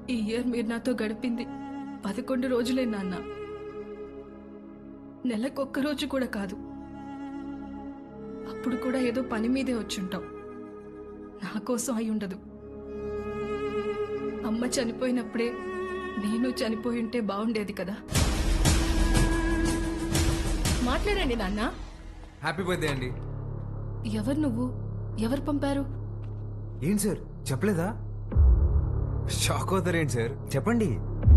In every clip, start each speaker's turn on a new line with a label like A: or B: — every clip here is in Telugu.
A: ఈ ఇయర్ మీరు నాతో గడిపింది 11 రోజులే నాన్న. నెలకొక్క రోజు కూడా కాదు. అప్పుడు కూడా ఏదో పని మీదే వచ్చుంటాం. నా కోసం అయి ఉండదు. అమ్మ చనిపోయినప్పుడే నేను చనిపోయి ఉంటే బాగుండేది కదా. మాట్లాడండి నాన్న.
B: హ్యాపీ బర్త్డే అండి.
A: ఎవరు నువ్వు? ఎవరు పంపారు?
B: ఏంటి సార్ చెప్పలేదా? షాక్ అవుతారేంటి సార్, చెప్పండి.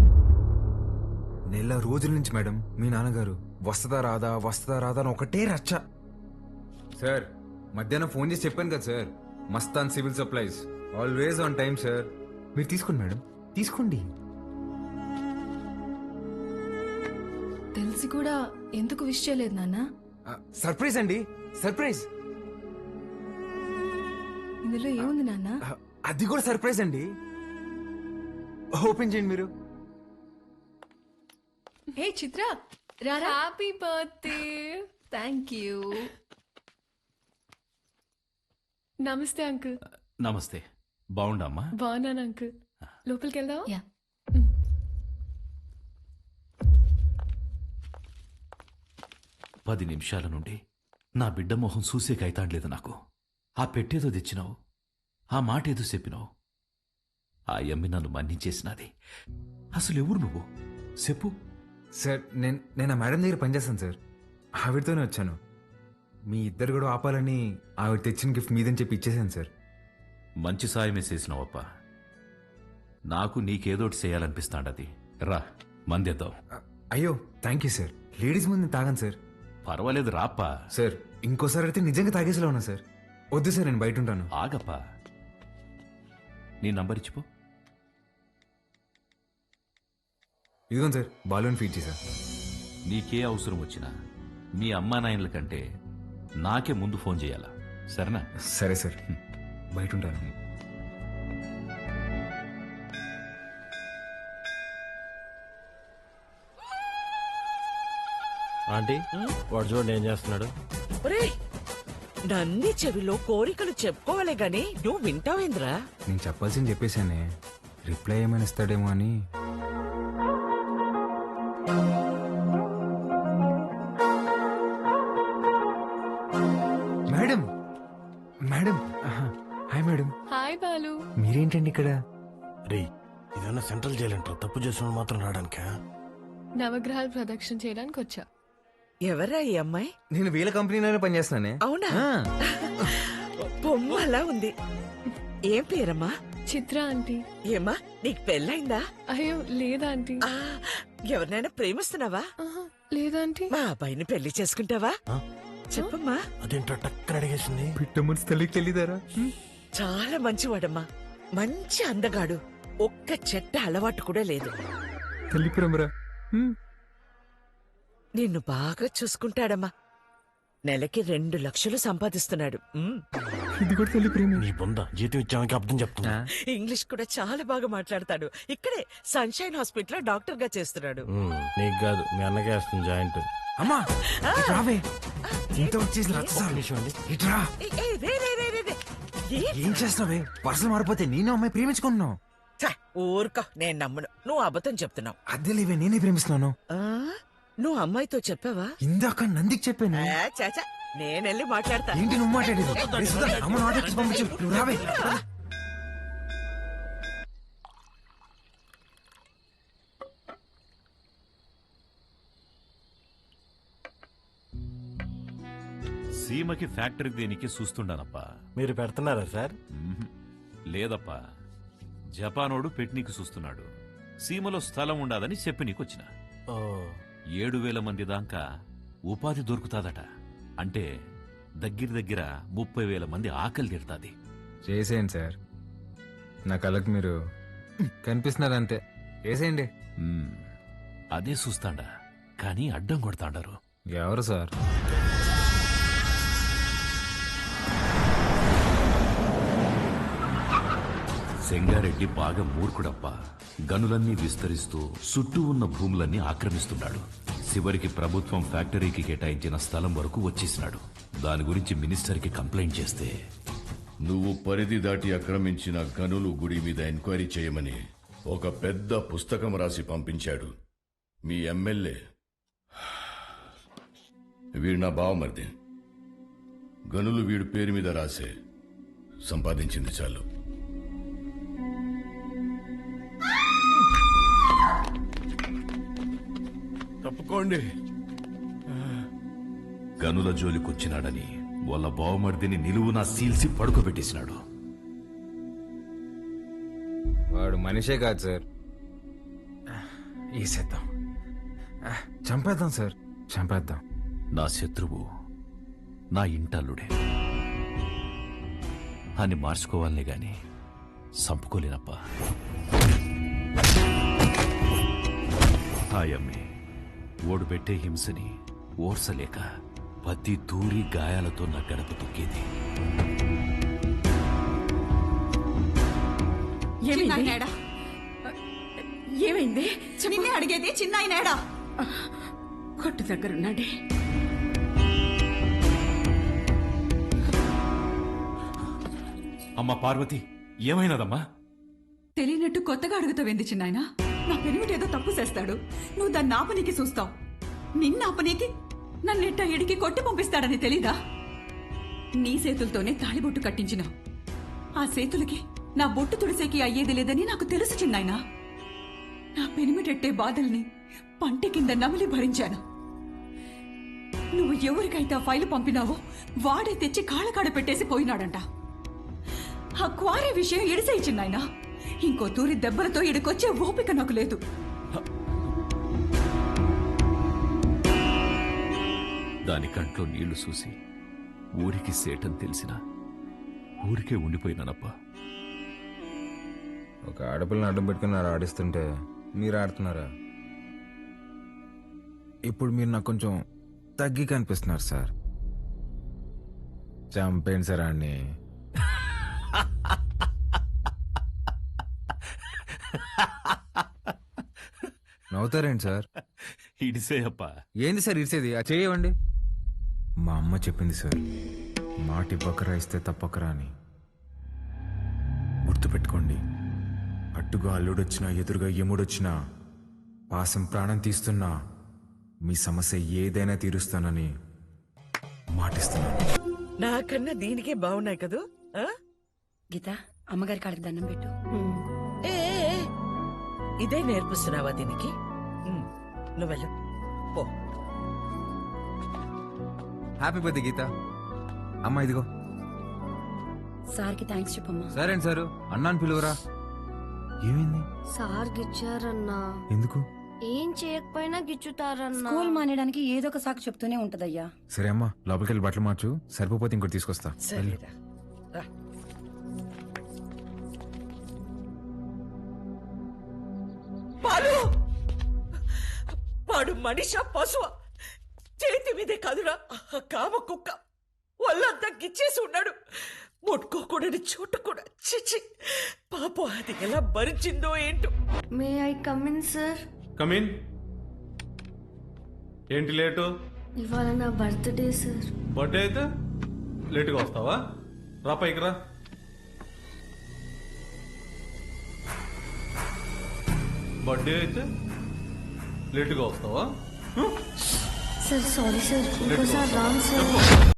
B: నెల రోజుల నుంచి మేడం మీ నాన్నగారు వస్తుందా రాదా అని ఒకటే రచ్చ. సార్ మధ్యాహ్నం ఫోన్ చేసి చెప్పాను కదా sir, Mastan civil supplies always on time sir. మీరు తీసుకోండి మేడం, తీసుకోండి.
A: తెలిసి కూడా ఎందుకు విష్ చేయలేదు నాన్న?
B: సర్ప్రైజ్ అండి, సర్ప్రైజ్.
A: ఇందులో ఏముంది నాన్న?
B: అది కూడా సర్ప్రైజ్ అండి. ఓపెన్ చేయండి మీరు.
A: హే చిత్ర, రారా. Happy birthday. Thank you.
C: నమస్తే అంకుల్.
D: నమస్తే. బాగుండమ్మా?
C: బాగున్నాను అంకుల్. లోపలికి వెళ్దావా?
A: యా.
D: 10 నిమిషాల నుండి నా బిడ్డ మొహం చూసే కైతాడలేదు నాకు. ఆ పెట్టేదో తెచ్చినావు, ఆ మాట ఏదో చెప్పినావు. ఆ యమ్మి నన్ను మన్నించేసినది. అసలు ఎవరు నువ్వు చెప్పు.
B: సార్ నేను ఆ మేడం దగ్గర పనిచేస్తాను సార్, ఆవిడతోనే వచ్చాను. మీ ఇద్దరు కూడా ఆపాలని ఆవిడ తెచ్చిన గిఫ్ట్ మీదని చెప్పి ఇచ్చేసాను సార్.
D: మంచి సాయమే చేసినావప్ప. నాకు నీకేదోటి చేయాలనిపిస్తాండది. రా మందేద్దాం.
B: అయ్యో థ్యాంక్ యూ సార్. లేడీస్ ముందు తాగాను సార్.
D: పర్వాలేదు రాప్పా.
B: సార్ ఇంకోసారి అయితే నిజంగా తాగేసేలా ఉన్నా సార్. వద్దు సార్, నేను బయట ఉంటాను.
D: ఆగప్పా, నీ నంబర్ ఇచ్చిపో.
B: ఇదిగోండి సార్, బాలూన్ ఫీడ్ చేశా.
D: నీకే అవసరం వచ్చినా మీ అమ్మా నాయనల కంటే నాకే ముందు ఫోన్ చేయాలా, సరేనా?
B: సరే సార్, బయట ఉంటాను.
E: ఆంటీ వాడు చూడండి ఏం చేస్తున్నాడు.
F: ఒరేయ్, నన్ని చెవిలో కోరికలు చెప్పుకోవాలే గాని నువ్వు వింటావేంద్రా?
B: నేను చెప్పాల్సింది చెప్పేశానే, రిప్లై ఏమైనా ఇస్తాడేమో అని. Madam madam hi madam.
C: Hi Balu.
B: మీరేంటండి ఇక్కడ?
E: రే ఇదన్నా సెంట్రల్ జైలు అంటారు, తప్పు చేసిన మాత్రం రావడానికా?
C: నవగ్రహాలు ప్రదక్షిణ చేయడానికి వచ్చా.
F: ఎవరా ఈ అమ్మాయి?
B: నేను వీళ్ళ కంపెనీలోనే పనిచేస్తున్నానే.
F: అవునా? బొమ్మలా ఉంది. ఏం పేరమ్మా?
C: చిత్ర ఆంటీ.
F: ఏమ్మా నీకు పెళ్ళైందా?
C: అయ్యో లేదా ఆంటీ.
F: ఆ, ఎవరినైనా ప్రేమిస్తున్నావా?
C: ఆహా, లేదా ఆంటీ.
F: మా అబ్బాయిని పెళ్లి చేసుకుంటావా? చెప్పమ్మా.
E: అదేంటో టక్కన అడిగేసింది.
B: పిట్ట మనసు తల్లికి తెలియదారా?
F: చాలా మంచివాడమ్మా, మంచి అందగాడు. ఒక్క చెట్ట అలవాటు కూడా లేదు.
B: తల్లి ప్రేమరా.
F: నిన్ను బాగా చూసుకుంటాడమ్మా. నెలకి 2 లక్షలు సంపాదిస్తున్నాడు.
B: ఇది కూడా తల్లి ప్రేమ.
E: నీ బొంద జీతం ఇచ్చానికి అర్థం చెప్తున్నా.
F: ఇంగ్లీష్ కూడా చాలా బాగా మాట్లాడతాడు. ఇక్కడే సన్షైన్ హాస్పిటల్ డాక్టర్ గా చేస్తున్నాడు.
E: నీకు కాదు మీ అన్నకే వస్తుంది జాయింట్.
B: అమ్మా రావే, ఇంత వచ్చేసి ఇట్రా.
F: ఏ, ఏ, రే, రే, రే, రే, రే.
B: ఏం చేస్తావే? పర్సలు మారిపోతే నేను అమ్మాయి ప్రేమించుకుంటున్నావు.
F: ఛ, ఊరుకో, నేను నమ్మను. నువ్వు అబద్ధం చెప్తున్నావు.
B: అద్దె లేవే, నేనే ప్రేమిస్తున్నాను.
F: ఆ, నువ్వు అమ్మాయితో చెప్పావా?
B: ఇందాక నందికి చెప్పాను.
F: చాచా, నేనెళ్ళి మాట్లాడతా.
B: ఏంటి నువ్వు మాట్లాడేది? రే సుధా, అమ్మను ఆటోకి పంపించు. నువ్వు రావే.
D: సీమకి ఫ్యాక్టరీ దేనికి చూస్తుండానప్పా.
E: మీరు పెడుతున్నారా సార్?
D: లేదప్పా, జపానోడు పెట్నీకి చూస్తున్నాడు. సీమలో స్థలం ఉండాదని చెప్పి నీకొచ్చిన. 7,000 మంది దాకా ఉపాధి దొరుకుతాదట. అంటే దగ్గర 30,000 మంది ఆకలి తీరుతాది.
B: చేసేయండి సార్, నా కళ్ళకి మీరు కనిపిస్తున్నారు అంతే. చేసేయండి.
D: అదే చూస్తాండా, కానీ అడ్డం కొడతాండారు.
B: ఎవరు సార్?
D: సెంగారెడ్డి బాగా మూర్ఖుడప్పా. గనులన్నీ విస్తరిస్తూ చుట్టూ ఉన్న భూములన్నీ ఆక్రమిస్తున్నాడు. చివరికి ప్రభుత్వం ఫ్యాక్టరీకి కేటాయించిన స్థలం వరకు వచ్చేసినాడు. దాని గురించి మినిస్టర్కి కంప్లైంట్ చేస్తే,
G: నువ్వు పరిధి దాటి ఆక్రమించిన గనులు గుడి మీద ఎంక్వైరీ చేయమని ఒక పెద్ద పుస్తకం రాసి పంపించాడు మీ ఎమ్మెల్యే. వీడు నా బావమరిది. గనులు వీడి పేరు మీద రాసే సంపాదించింది చాలు.
E: తప్పుకోండి.
D: గనుల జోలికొచ్చినాడని వాళ్ళ బావమర్దిని నిలువునా సీల్సి పడుకోబెట్టేసినాడు.
B: వాడు మనిషే కాదు సార్. వేసేద్దాం, చంపేద్దాం సార్, చంపేద్దాం.
D: నా శత్రువు నా ఇంటల్లుడే అని మార్చుకోవాలనే గాని సంపుకోలేనప్ప. ఆయమ్మే ఓడిపెట్టే హింసని ఓర్సలేక పత్తి దూరి గాయాలతో నా గడప తొక్కేది.
H: ఏమైంది? నిన్నే అడిగేది. చిన్నాయనేడా? కొట్టు దగ్గరున్నాడే.
D: అమ్మా పార్వతి, ఏమైనదమ్మా?
H: తెలియనట్టు కొత్తగా అడుగుతావేంది చిన్నాయన? నా పెనిమిటేదో తప్పు చేస్తాడు, నువ్వు దాన్ని ఆపనీకి చూస్తావు. నిన్నాపనీకి నన్నెట్ట ఎడికి కొట్టి పంపిస్తాడని తెలీదా? నీ చేతులతోనే తాళిబొట్టు కట్టించినావు. ఆ చేతులకి నా బొట్టు తుడిసేకి అయ్యేది లేదని నాకు తెలుసు చిన్నాయన. నా పెనిమిటెట్టే బాధల్ని పంట కింద నమిలి భరించాను. నువ్వు ఎవరికైతే ఆ ఫైలు పంపినావో వాడే తెచ్చి కాళ్ళకాడ పెట్టేసి పోయినాడంట. ఆ క్వారీ విషయం ఎడిసేయి చిన్నాయన. ఇంకో తూరి దెబ్బలతో ఇడికొచ్చే ఓపిక నాకు లేదు.
D: దాని కంట్లో నీళ్లు చూసి ఊరికి సేటని తెలిసినా ఊరికే ఉండిపోయినానప్పా.
B: ఒక ఆడపిల్లని అడ్డం పెట్టుకుని ఆడిస్తుంటే మీరు ఆడుతున్నారా? ఇప్పుడు మీరు నాకు కొంచెం తగ్గి కనిపిస్తున్నారు సార్. చంపేయండి సార్ అన్ని. నవ్వుతారేంటి సార్?
D: ఇడిసే అప్పా.
B: ఏంది సార్ ఇడిసేది? ఆ చేయవండి. మా అమ్మ చెప్పింది సార్, మాట ఇవ్వకరా ఇస్తే తప్పకరా అని. గుర్తుపెట్టుకోండి, అట్టుగా అల్లుడొచ్చినా ఎదురుగా యముడొచ్చినా పాసం ప్రాణం తీస్తున్నా మీ సమస్య ఏదైనా తీరుస్తానని మాటిస్తున్నాను.
F: నాకన్నా దీనికే బాగున్నాయి కదూ. ఆ?
H: గీత, అమ్మగారి కాళ్ళకి దండం పెట్టు.
F: ఏ ఏ, ఏ, ఇదే నేర్పిస్తున్నావా దీనికి? నువ్వెళ్ళు పో.
B: Happy birthday Geetha. అమ్మ ఇదిగో.
H: సార్కి థ్యాంక్స్ చెప్పమ్మా.
B: సరే అండి సారు, అన్నాను పిలువరా. ఏమైంది?
I: సార్ గిచ్చారన్నా.
B: ఎందుకు?
I: ఏం చేయకపోయినా గిచ్చుతారన్నా.
H: స్కూల్ మానేయడానికి ఏదో ఒక సాకు చెప్తూనే ఉంటదయ్యా.
B: సరే అమ్మా, లోపలికి వెళ్ళి బట్టలు మార్చు. సరిపోతే ఇంకోటి తీసుకొస్తా.
F: సరేరా, రా. పాలు వాడు మనిష పశువ చేతి మీదే కాదురా కామ కుక్క. వాళ్ళంతా గిచ్చేసి ఉన్నాడు. ముట్టుకోకూడని చోటు కూడా. చిచి పాపం, అది ఎలా భరించిందో ఏంటో.
I: May I come in sir?
J: Come in. ఏంటి లేటు?
I: ఇవాళ నా బర్త్డే సార్.
J: బర్త్డే అయితే లేటుగా వస్తావా? రా పైకి రా. బర్త్డే అయితే లేటుగా వస్తావా?
I: సార్ సారీ సార్, ఇంకోసారి రాంగ్ సార్.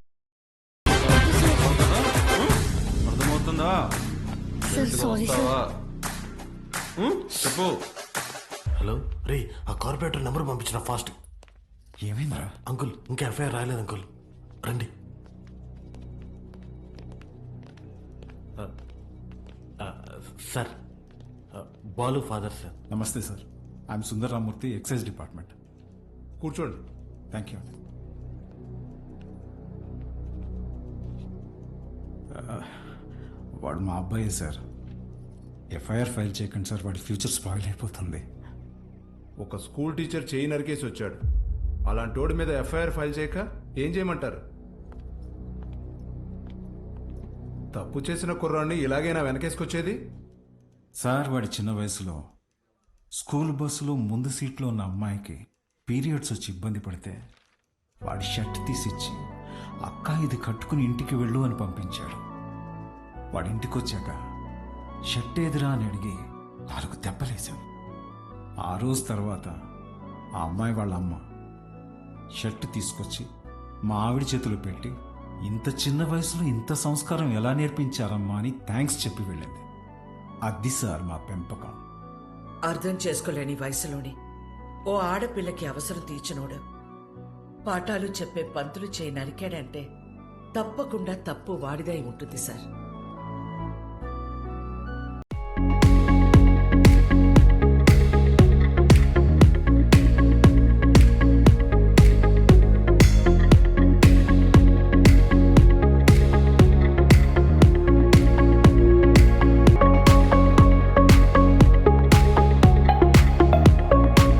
J: అర్థమవుతుందా?
I: Sir sorry sir.
J: చెప్పు.
E: హలో రే, ఆ కార్పొరేటర్ నెంబర్ పంపించిన ఫాస్ట్.
B: ఏమైందిరా?
E: అంకుల్, ఇంకా ఎఫ్ఐఆర్ రాయలేదు అంకుల్. రండి. Sir, Balu father sir.
K: నమస్తే sir, I'm Sundar Ramurthy, excise department.
J: కూర్చోండి.
K: Thank you. వాడు మా అబ్బాయే సార్. ఎఫ్ఐఆర్ ఫైల్ చేయకండి సార్, వాడి ఫ్యూచర్ స్పాయిల్ అయిపోతుంది.
J: ఒక స్కూల్ టీచర్ చేయి నరికేసి వచ్చాడు. అలాంటి వాడి మీద ఎఫ్ఐఆర్ ఫైల్ చేయక ఏం చేయమంటారు? తప్పు చేసిన కుర్రాన్ని ఇలాగైనా వెనకేసుకొచ్చేది?
K: సార్, వాడి చిన్న వయసులో స్కూల్ బస్సులో ముందు సీట్లో ఉన్న అమ్మాయికి పీరియడ్స్ వచ్చి ఇబ్బంది పడితే వాడి షర్ట్ తీసిచ్చి, అక్క ఇది కట్టుకుని ఇంటికి వెళ్ళు అని పంపించాడు. వాడి ఇంటికి వచ్చాక షర్ట్ ఏదిరా అని అడిగి 4 దెబ్బలేశాడు. చేశాను. ఆ రోజు తర్వాత ఆ అమ్మాయి వాళ్ళ అమ్మ షర్ట్ తీసుకొచ్చి మా ఆవిడ చేతిలో పెట్టి ఇంత చిన్న వయసులో ఇంత సంస్కారం ఎలా నేర్పించారమ్మా అని థ్యాంక్స్ చెప్పి వెళ్ళింది. అది సార్ మా పెంపకం.
F: అర్థం చేసుకోలేని వయసులోని ఓ ఆడపిల్లకి అవసరం తీర్చినోడు పాఠాలు చెప్పే పంతులు చేయి నరికాడంటే తప్పకుండా తప్పు వాడిదై ఉంటుంది సార్.